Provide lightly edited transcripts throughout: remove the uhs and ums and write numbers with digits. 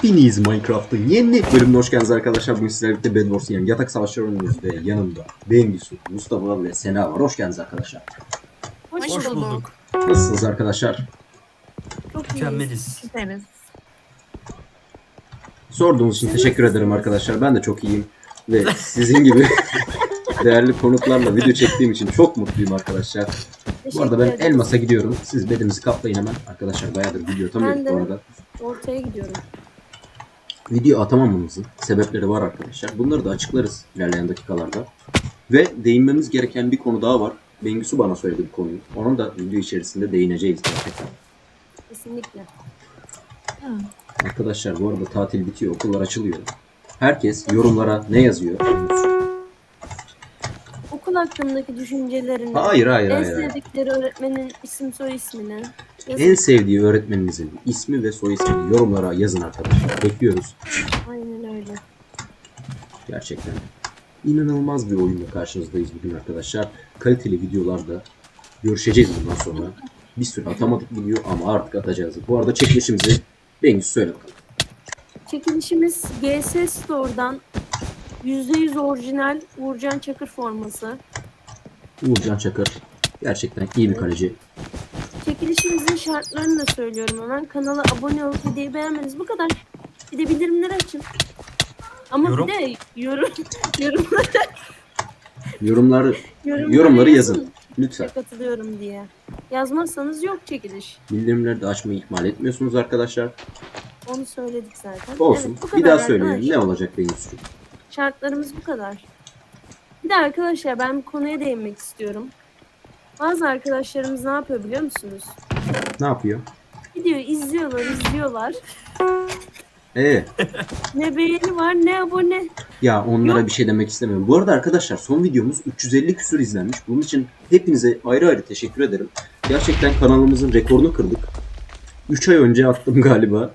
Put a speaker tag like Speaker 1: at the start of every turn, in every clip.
Speaker 1: Hepiniz Minecraft'ın yeni bölümüne hoş geldiniz arkadaşlar. Bugün sizlerle birlikte Bed Wars yani yatak savaşları oynuyoruz ve yanımda Bengisu, Mustafa ve Sena var. Hoş geldiniz arkadaşlar.
Speaker 2: Hoş bulduk.
Speaker 1: Nasılsınız arkadaşlar?
Speaker 2: Çok
Speaker 3: Mükemmeliz.
Speaker 2: Süperiz.
Speaker 1: Sorduğunuz için teşekkür ederim arkadaşlar. Ben de çok iyiyim ve sizin gibi değerli konuklarla video çektiğim için çok mutluyum arkadaşlar. Bu arada ben Elmas'a gidiyorum. Siz bedimizi kaplayın hemen. Arkadaşlar bayağıdır video atamıyorduk bu arada.
Speaker 2: Ortaya gidiyorum.
Speaker 1: Video atamamamızın sebepleri var arkadaşlar. Bunları da açıklarız ilerleyen dakikalarda. Ve değinmemiz gereken bir konu daha var. Bengisu bana söyledi bu konuyu. Onun da video içerisinde değineceğiz gerçekten.
Speaker 2: Kesinlikle.
Speaker 1: Arkadaşlar bu arada tatil bitiyor, okullar açılıyor. Herkes yorumlara ne yazıyor?
Speaker 2: Okul hakkındaki düşüncelerini,
Speaker 1: Hayır.
Speaker 2: en sevdikleri öğretmenin isim soy ismini yazın.
Speaker 1: En sevdiği öğretmeninizin ismi ve soy ismini yorumlara yazın arkadaşlar. Bekliyoruz.
Speaker 2: Aynen öyle.
Speaker 1: Gerçekten inanılmaz bir oyunla karşınızdayız bugün arkadaşlar. Kaliteli videolarda görüşeceğiz bundan sonra. Bir sürü atamadık video ama artık atacağız. Bu arada çekilişimizi Bengisu söyle bakalım.
Speaker 2: Çekilişimiz GS Store'dan %100 orijinal Uğurcan Çakır forması.
Speaker 1: Uğurcan Çakır gerçekten iyi bir kaleci.
Speaker 2: Çekilişimizin şartlarını da söylüyorum hemen. Kanala abone olup videoyu beğenmeniz bu kadar. Bir de bildirimleri açın. Ama
Speaker 3: Yorum?
Speaker 2: bir de
Speaker 1: Yorumları yazın. Lütfen.
Speaker 2: Katılıyorum diye. Yazmazsanız yok çekiliş.
Speaker 1: Bildirimleri de açmayı ihmal etmiyorsunuz arkadaşlar.
Speaker 2: Onu söyledik zaten.
Speaker 1: Olsun.
Speaker 2: Evet, bu
Speaker 1: Bir
Speaker 2: kadar
Speaker 1: daha söyleyelim.
Speaker 2: arkadaşlar.
Speaker 1: Ne olacak Bengisu'cum?
Speaker 2: Şartlarımız bu kadar. Bir de arkadaşlar ben bir konuya değinmek istiyorum. Bazı arkadaşlarımız ne yapıyor biliyor musunuz?
Speaker 1: Ne yapıyor?
Speaker 2: Videoyu izliyorlar. Ne beğeni var ne abone.
Speaker 1: Ya onlara
Speaker 2: Yok.
Speaker 1: bir şey demek istemiyorum. Bu arada arkadaşlar son videomuz 350 küsur izlenmiş. Bunun için hepinize ayrı ayrı teşekkür ederim. Gerçekten kanalımızın rekorunu kırdık. 3 ay önce attım galiba.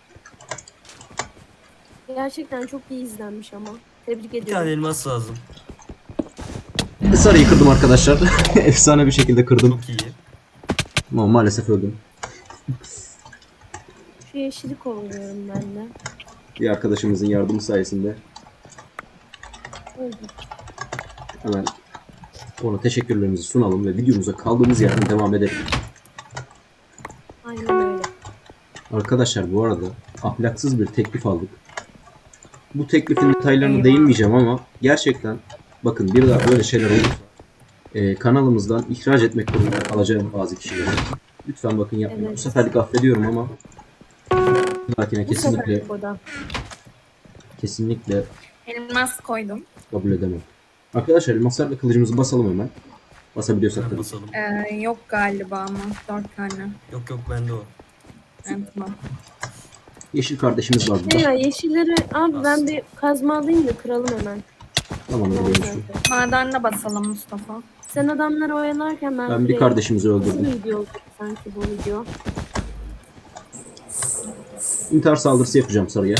Speaker 2: Gerçekten çok iyi izlenmiş ama. Tebrik
Speaker 3: Bir tane
Speaker 2: ediyorum.
Speaker 3: elmas lazım.
Speaker 1: Sarıyı kırdım arkadaşlar. Efsane bir şekilde kırdım.
Speaker 3: Çok iyi.
Speaker 1: Ama maalesef öldüm.
Speaker 2: Şu yeşili kovalıyorum ben de.
Speaker 1: Bir arkadaşımızın yardımı sayesinde
Speaker 2: Öldüm.
Speaker 1: hemen ona teşekkürlerimizi sunalım ve videomuza kaldığımız yerden devam edelim.
Speaker 2: Aynen öyle.
Speaker 1: Arkadaşlar bu arada ahlaksız bir teklif aldık. Bu teklifin detaylarına değinmeyeceğim ama gerçekten bakın bir daha böyle şeyler olursa kanalımızdan ihraç etmek durumunda kalacağım bazı kişileri. Lütfen bakın yapmayın.
Speaker 2: Evet.
Speaker 1: Bu seferlik affediyorum ama bir dahakine
Speaker 2: Bu seferlik o da.
Speaker 1: kesinlikle
Speaker 4: Elmas koydum.
Speaker 1: kabul edemem. Arkadaşlar elmaslarla kılıcımızı basalım hemen. Basabiliyorsak
Speaker 3: Ben
Speaker 1: tabii.
Speaker 3: basalım.
Speaker 4: Yok galiba ama 4 tane.
Speaker 3: Yok bende o.
Speaker 4: Evet, tamam.
Speaker 1: Yeşil kardeşimiz var burada.
Speaker 2: Ya yeşilleri abi ben bir kazma alayım da kıralım hemen.
Speaker 1: Tamam öyle şu.
Speaker 4: Madenle basalım Mustafa.
Speaker 2: Sen adamları oyalarken ben
Speaker 1: Ben bir kardeşimizi
Speaker 2: Nasıl
Speaker 1: öldürdüm.
Speaker 2: bir video oldu sanki bu video?
Speaker 1: İntihar saldırısı yapacağım sarıya.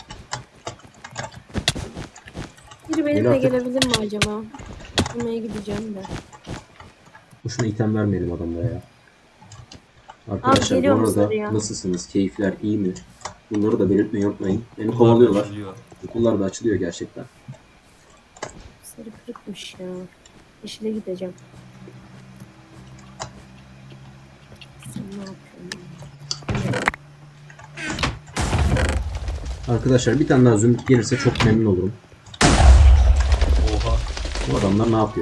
Speaker 2: Biri
Speaker 1: Gel
Speaker 2: benimle
Speaker 1: artık.
Speaker 2: gelebilir mi acaba? Bulmaya gideceğim de.
Speaker 1: Boşuna item vermeyelim adamlara ya. Arkadaşlar bu
Speaker 2: geliyorum
Speaker 1: arada
Speaker 2: sarıya.
Speaker 1: nasılsınız? Keyifler iyi mi? Bunları da belirtmeyi unutmayın. Beni kovalıyorlar.
Speaker 3: Açılıyor.
Speaker 1: Okullar da açılıyor gerçekten.
Speaker 2: Sarı kırıkmış ya. Yeşile gideceğim. Sen ne yapıyorsun?
Speaker 1: Arkadaşlar bir tane daha zümrüt gelirse çok memnun olurum.
Speaker 3: Oha.
Speaker 1: Bu adamlar ne yapıyor?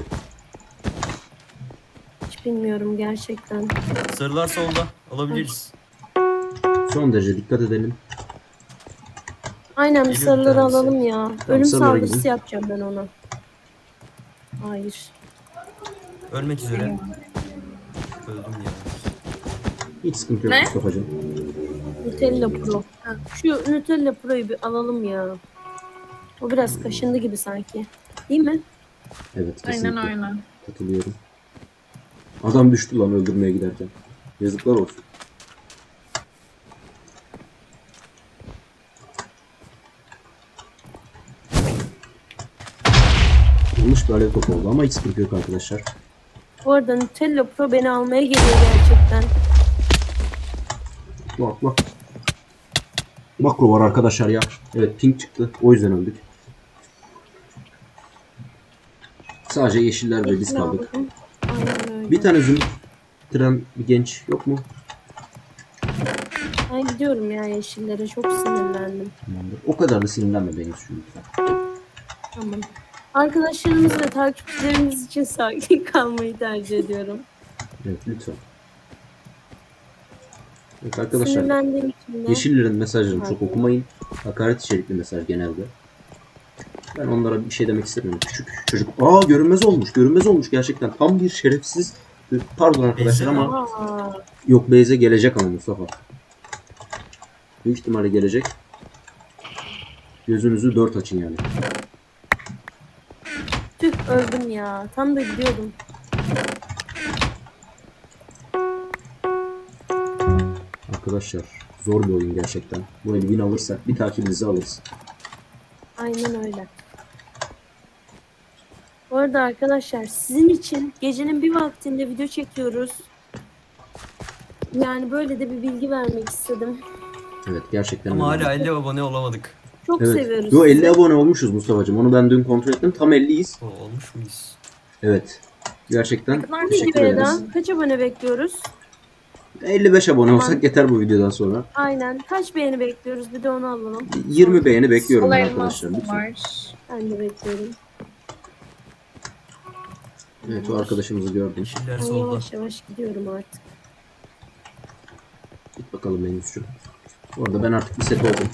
Speaker 2: Hiç bilmiyorum gerçekten.
Speaker 3: Sarılar solda. Alabiliriz.
Speaker 1: Son derece dikkat edelim.
Speaker 2: Aynen bir
Speaker 3: Geliyor bir
Speaker 2: sarıları
Speaker 3: tanesi.
Speaker 2: alalım ya. Ölüm
Speaker 1: sarılara
Speaker 2: saldırısı
Speaker 1: gidin.
Speaker 2: yapacağım ben ona. Hayır.
Speaker 3: Ölmek üzere. Öldüm ya.
Speaker 1: Hiç sıkıntı yok
Speaker 4: Ne?
Speaker 1: Mustafa'cığım.
Speaker 2: Nutella Pro. Şu Nutella Pro'yu bir alalım ya. O biraz kaşındı gibi sanki. Değil mi?
Speaker 1: Evet kesinlikle.
Speaker 4: Aynen öyle.
Speaker 1: Katılıyorum. Adam düştü lan öldürmeye giderken. Yazıklar olsun. Yanlış bir alev topu oldu ama hiç sıkıntı yok arkadaşlar.
Speaker 2: Bu arada Nutella Pro beni almaya geliyor gerçekten.
Speaker 1: Bak bak. Makro var arkadaşlar ya. Evet pink çıktı. O yüzden öldük. Sadece yeşiller ve biz kaldık.
Speaker 2: Aldım. Aynen öyle.
Speaker 1: Bir tane zümrüt bitiren bir genç yok mu?
Speaker 2: Ben gidiyorum ya yeşillere. Çok sinirlendim.
Speaker 1: Tamamdır. O kadar da sinirlenme benim şu lütfen.
Speaker 2: Tamam. Arkadaşlarımız ve takipçilerimiz için sakin kalmayı tercih ediyorum.
Speaker 1: Evet lütfen. Evet arkadaşlar.
Speaker 2: Sinirlendiğim için de.
Speaker 1: Yeşillerin mesajlarını çok okumayın. Hakaret içerikli mesaj genelde. Ben onlara bir şey demek istemiyorum. Küçük çocuk. Aa görünmez olmuş. Görünmez olmuş gerçekten. Tam bir şerefsiz. Pardon arkadaşlar
Speaker 3: Beyza
Speaker 1: ama
Speaker 2: Aa,
Speaker 1: yok Beyze gelecek ama Mustafa. Büyük ihtimalle gelecek. Gözünüzü dört açın yani.
Speaker 2: tüh öldüm ya. Tam da gidiyordum.
Speaker 1: Arkadaşlar zor bir oyun gerçekten. Bu eli win alırsak bir takibinizi alırız.
Speaker 2: Aynen öyle. Bu arada arkadaşlar sizin için gecenin bir vaktinde video çekiyoruz. Yani böyle de bir bilgi vermek istedim.
Speaker 1: Evet gerçekten
Speaker 3: Ama
Speaker 1: öyle.
Speaker 3: hala 50 abone olamadık.
Speaker 2: Çok
Speaker 1: Evet.
Speaker 2: seviyoruz
Speaker 1: Yo 50
Speaker 2: sizi.
Speaker 1: abone olmuşuz Mustafa'cığım. Onu ben dün kontrol ettim. Tam 50'yiz.
Speaker 3: Olmuş muyuz?
Speaker 1: Evet. Gerçekten
Speaker 4: Ne kadar
Speaker 1: teşekkür
Speaker 2: Videoya
Speaker 1: ederiz.
Speaker 2: da kaç abone bekliyoruz?
Speaker 1: 55 abone
Speaker 2: Tamam.
Speaker 1: olsak yeter bu videodan sonra.
Speaker 2: Aynen. Kaç beğeni bekliyoruz? Bir de onu alalım.
Speaker 1: 20 beğeni bekliyorum
Speaker 4: Sol
Speaker 1: ben
Speaker 4: elmas
Speaker 1: arkadaşlar. Lütfen.
Speaker 4: var.
Speaker 2: Ben de bekliyorum.
Speaker 1: Evet o arkadaşımızı gördüm.
Speaker 3: Yeşiller
Speaker 2: Ben
Speaker 3: solda.
Speaker 2: yavaş yavaş gidiyorum artık.
Speaker 1: Git bakalım Menüsçü. Bu arada ben artık bir set oldum.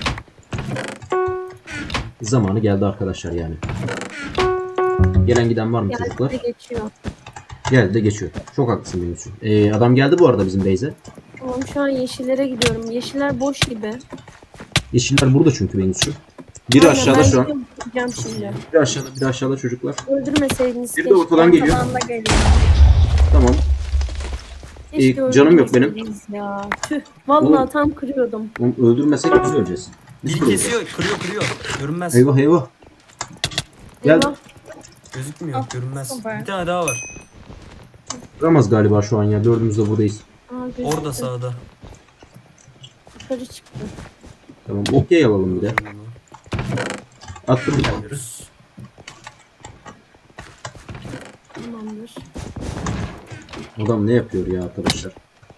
Speaker 1: Zamanı geldi arkadaşlar yani. Gelen giden var mı
Speaker 2: Geldi
Speaker 1: çocuklar?
Speaker 2: de geçiyor.
Speaker 1: Geldi de geçiyor. Çok haklısın Menüsçü. Adam geldi bu arada bizim base'e.
Speaker 2: Tamam şu an yeşillere gidiyorum. Yeşiller boş gibi.
Speaker 1: Yeşiller burada çünkü Menüsçü. Biri
Speaker 2: Aynen,
Speaker 1: aşağıda
Speaker 2: ben
Speaker 1: şu an.
Speaker 2: gidiyorum, gideceğim şimdi.
Speaker 1: Biri aşağıda çocuklar.
Speaker 2: Öldürmeseydiniz
Speaker 1: Biri de ortadan geliyor.
Speaker 4: Ortadan da geliyor.
Speaker 1: Tamam.
Speaker 2: Keşke
Speaker 1: canım yok benim.
Speaker 2: öldürmeseydiniz Ya. Tüh. Vallahi
Speaker 1: Oğlum.
Speaker 2: tam kırıyordum.
Speaker 1: Onu öldürmesek biz öleceğiz. Biz
Speaker 3: Biri
Speaker 1: öleceğiz.
Speaker 3: kesiyor, kırıyor. Görünmez.
Speaker 1: Eyvah eyvah. Gel.
Speaker 2: Eyvah.
Speaker 3: Gözükmüyor,
Speaker 4: Ah,
Speaker 3: görünmez.
Speaker 4: süper.
Speaker 3: Bir tane daha var.
Speaker 1: Vuramaz galiba şu an ya. Dördümüz de buradayız.
Speaker 2: Aa, gözüktü.
Speaker 3: Orada sağda.
Speaker 2: Yukarı çıktı.
Speaker 1: Tamam. Okey alalım bir de. Attım bir tane.
Speaker 3: Geliyoruz.
Speaker 2: Tamamdır.
Speaker 1: Adam ne yapıyor ya arkadaşlar?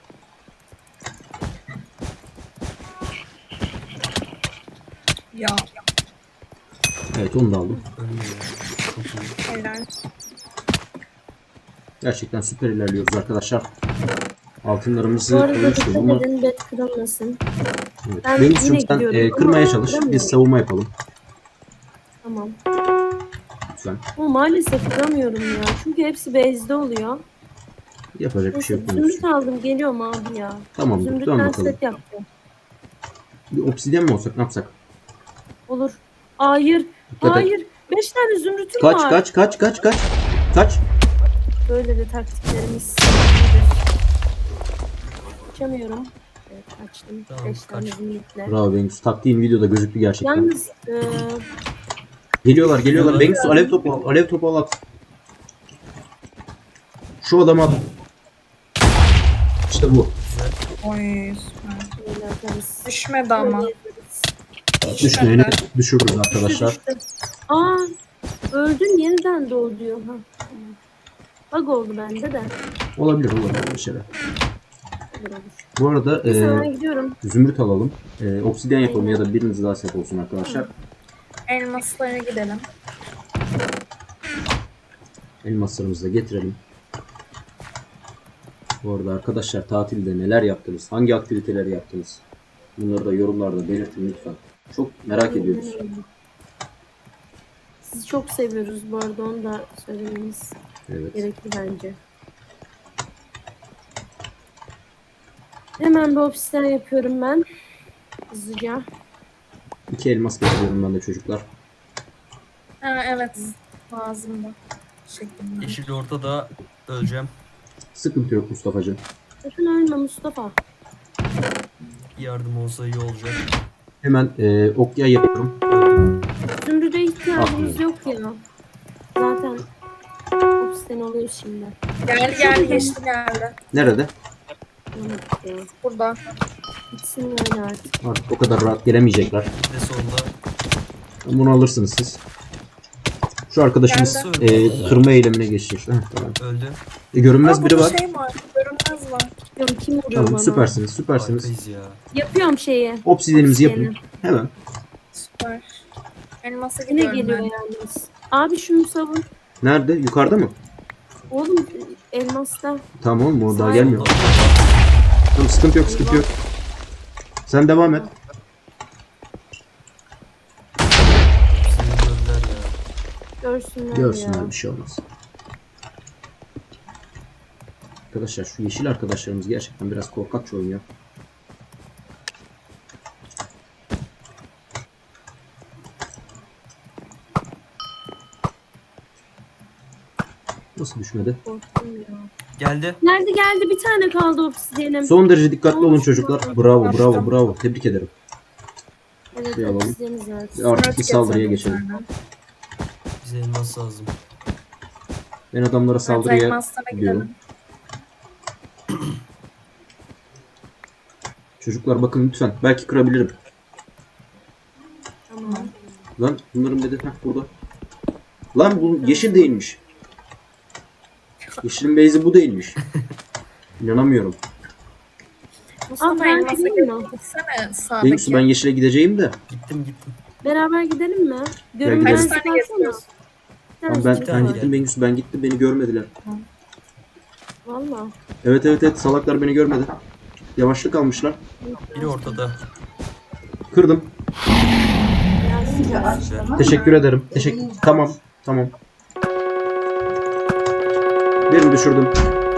Speaker 4: Ya
Speaker 1: Evet onu da aldım.
Speaker 3: Ölmüyor. Çok iyi.
Speaker 4: helal.
Speaker 1: Gerçekten süper ilerliyoruz arkadaşlar. Altınlarımızı
Speaker 2: Bu arada
Speaker 1: koymuştuk
Speaker 2: dikkat
Speaker 1: ama
Speaker 2: edin bet kırılmasın.
Speaker 1: evet.
Speaker 2: Ben
Speaker 1: Benim
Speaker 2: yine
Speaker 1: için sen
Speaker 2: gidiyorum
Speaker 1: kırmaya
Speaker 2: ama
Speaker 1: çalış.
Speaker 2: kıramıyorum.
Speaker 1: Biz savunma yapalım.
Speaker 2: Tamam.
Speaker 1: Lütfen.
Speaker 2: Ama maalesef kıramıyorum ya. Çünkü hepsi base'de oluyor.
Speaker 1: Yapacak bir şey
Speaker 2: Neyse,
Speaker 1: yok.
Speaker 2: zümrüt aldım. Geliyorum abi ya.
Speaker 1: Tamamdır. Dön
Speaker 2: Zümrütten
Speaker 1: bakalım.
Speaker 2: set yapacağım.
Speaker 1: Bir obsidyen mi olsak ne yapsak?
Speaker 2: Olur. Hayır.
Speaker 1: Dikkat et.
Speaker 2: Hayır. 5 tane zümrütüm
Speaker 1: Kaç
Speaker 2: var.
Speaker 1: kaç kaç kaç kaç. Kaç.
Speaker 2: Böyle de taktiklerimiz iyidir. Açamıyorum. Evet açtım.
Speaker 3: Tamam,
Speaker 2: 5 tane
Speaker 3: kaç.
Speaker 2: zümrütle.
Speaker 1: Bravo Bengüs. Taktiğin videoda gözüktü gerçekten.
Speaker 2: Yalnız
Speaker 1: Geliyorlar.
Speaker 3: Geliyorlar.
Speaker 1: Bengüs alev topu al. Alev topu al at. Şu adamı at. İşte bu.
Speaker 3: Güzel.
Speaker 4: Oy süper.
Speaker 2: böyle atarız.
Speaker 4: Düşmedi ama.
Speaker 2: Böyle yaparız.
Speaker 1: Düşmeyeni düşürürüz arkadaşlar.
Speaker 2: Düştü. Aa öldün yeniden doğ diyor. Ha. Tamam. Bug oldu bende de.
Speaker 1: Olabilir bir şeyler.
Speaker 2: Olur olur.
Speaker 1: Bu arada
Speaker 2: Neyse ben gidiyorum.
Speaker 1: zümrüt alalım. Obsidyen yapalım ya da biriniz daha set olsun arkadaşlar.
Speaker 4: Elmaslara gidelim.
Speaker 1: Elmaslarımızı da getirelim. Bu arada arkadaşlar tatilde neler yaptınız? Hangi aktiviteleri yaptınız? Bunları da yorumlarda belirtin lütfen. Çok merak ediyoruz.
Speaker 2: Sizi çok seviyoruz bu arada onu da söylememiz
Speaker 1: Evet.
Speaker 2: gerekli bence. Hemen bir ofisten yapıyorum ben. Hızlıca.
Speaker 1: 2 elmas getiriyorum ben de çocuklar.
Speaker 4: Ha, evet. Lazımdı. Teşekkürler.
Speaker 3: Yeşil ortada öleceğim.
Speaker 1: Sıkıntı yok Mustafa'cığım.
Speaker 2: Sakın ölme Mustafa.
Speaker 3: Yardım olsa iyi olacak.
Speaker 1: Hemen okya yapıyorum.
Speaker 2: Zümrüde ihtiyacımız
Speaker 1: Aferin.
Speaker 2: yok ya. Zaten ofisten oluyor şimdi.
Speaker 4: Geldi geldi geçti geldi.
Speaker 1: Nerede?
Speaker 2: Anladık ya.
Speaker 4: Burada.
Speaker 2: Gitsin öyle artık.
Speaker 1: Artık o kadar rahat gelemeyecekler.
Speaker 3: Bir de solda.
Speaker 1: Bunu alırsınız siz. Şu arkadaşımız
Speaker 3: Geldi.
Speaker 1: kırma eylemine geçecek. Heh, tamam.
Speaker 3: Öldü.
Speaker 1: Görünmez
Speaker 4: Aa,
Speaker 1: biri
Speaker 4: burada
Speaker 1: var.
Speaker 4: şey var. Görünmez var.
Speaker 2: Bilmiyorum kim vuruyor
Speaker 1: Tamam
Speaker 2: bana.
Speaker 1: süpersiniz süpersiniz.
Speaker 3: Harikayız ya.
Speaker 2: Yapıyorum şeyi.
Speaker 1: Obsidiyenimizi yapın.
Speaker 2: Obsidiyeni.
Speaker 1: Hemen.
Speaker 4: Süper. Elmasa
Speaker 2: Yine
Speaker 4: gidiyorum
Speaker 2: geliyor
Speaker 4: ben.
Speaker 2: yalnız. Abi şunu savun.
Speaker 1: Nerede? Yukarıda mı?
Speaker 2: Oğlum elmasta.
Speaker 1: Tamam oğlum o daha
Speaker 2: Sağ-
Speaker 1: gelmiyor. Tamam sıkıntı yok sıkıntı yok. Sen devam et.
Speaker 3: Seni gördüler ya.
Speaker 2: Görsünler,
Speaker 1: Görsünler
Speaker 2: ya.
Speaker 1: bir şey olmaz. Arkadaşlar şu yeşil arkadaşlarımız gerçekten biraz korkakça oynuyor. Nasıl düşmedi?
Speaker 2: Korktum ya.
Speaker 3: Geldi.
Speaker 2: Geldi bir tane kaldı obsidiyenim.
Speaker 1: Son derece dikkatli olun çocuklar. Bravo bravo bravo. Tebrik ederim.
Speaker 2: Evet
Speaker 1: Şey alalım.
Speaker 2: obsidiyeni zaten.
Speaker 1: Artık
Speaker 4: Dört
Speaker 1: bir saldırıya
Speaker 4: getirdim
Speaker 1: geçelim.
Speaker 4: sana.
Speaker 3: Bize elmas lazım.
Speaker 1: Ben adamlara
Speaker 4: Evet,
Speaker 1: saldırıya
Speaker 4: elmaslara
Speaker 1: gidiyorum.
Speaker 4: gidelim.
Speaker 1: Çocuklar bakın lütfen. Belki kırabilirim.
Speaker 2: Tamam.
Speaker 1: Lan bunların bedi burada. Lan bu yeşil değilmiş. Yeşilin base'i bu değilmiş. İnanamıyorum.
Speaker 4: Mustafa
Speaker 2: ben
Speaker 4: elmasa
Speaker 2: gideyim mi?
Speaker 4: gitsene
Speaker 1: Bengüsü
Speaker 4: sağdaki.
Speaker 1: ben yeşile gideceğim de.
Speaker 3: Gittim.
Speaker 2: Beraber gidelim mi?
Speaker 4: Kaç
Speaker 2: Görünmezlik
Speaker 4: tane
Speaker 2: alsana.
Speaker 4: getiriyorsun?
Speaker 2: Bir
Speaker 1: Tamam,
Speaker 2: tanesi
Speaker 1: ben
Speaker 2: var.
Speaker 1: gittim Bengüsü ben gittim beni görmediler.
Speaker 2: Valla.
Speaker 1: Evet salaklar beni görmedi. Yavaşlık almışlar.
Speaker 3: Biri ortada.
Speaker 1: Kırdım.
Speaker 2: Biraz
Speaker 3: Güzel.
Speaker 1: Teşekkür ederim. Tamam. Birini düşürdüm.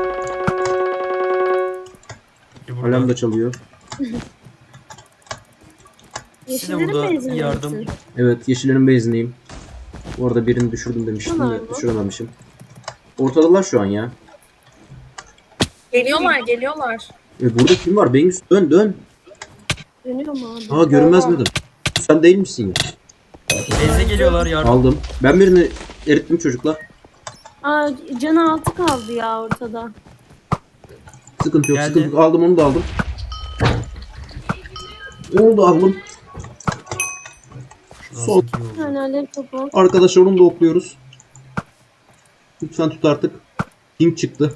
Speaker 3: Biri
Speaker 1: Alarm
Speaker 3: burada.
Speaker 1: da çalıyor.
Speaker 2: Yeşillerin
Speaker 3: burada
Speaker 2: benzin
Speaker 3: yardım.
Speaker 2: misin?
Speaker 1: Evet yeşillerin base'indeyim. Bu arada birini düşürdüm demiştim
Speaker 2: Tamam.
Speaker 1: ya. Düşürememişim. Ortadalar şu an ya.
Speaker 4: Geliyorlar.
Speaker 1: Burada kim var? Bengüsü dön.
Speaker 2: Dönüyor mu abi?
Speaker 1: Aa görünmez miydim? Sen değil misin ya?
Speaker 3: Beyze geliyorlar yardım.
Speaker 1: Aldım. Ben birini erittim çocuklar.
Speaker 2: Aa canı altı kaldı ya ortada.
Speaker 1: Sıkıntı yok
Speaker 3: Geldi.
Speaker 1: sıkıntı yok. Aldım onu da aldım. Onu da aldım.
Speaker 3: Şunu
Speaker 1: Sol.
Speaker 3: alsak iyi
Speaker 2: Bir
Speaker 3: oldu.
Speaker 2: tane alev topu.
Speaker 1: Arkadaşlar onu da okluyoruz. Lütfen tut artık. Ping çıktı.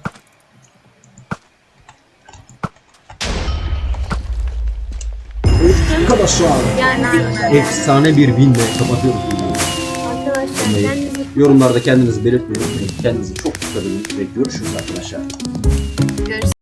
Speaker 1: Arkadaşlar.
Speaker 2: Yani
Speaker 1: Efsane bir winle kapatıyoruz.
Speaker 2: arkadaşlar kendinizi
Speaker 1: Yorumlarda kendinizi belirtmeyi unutmayın. Kendinize çok dikkat edin ve görüşürüz arkadaşlar.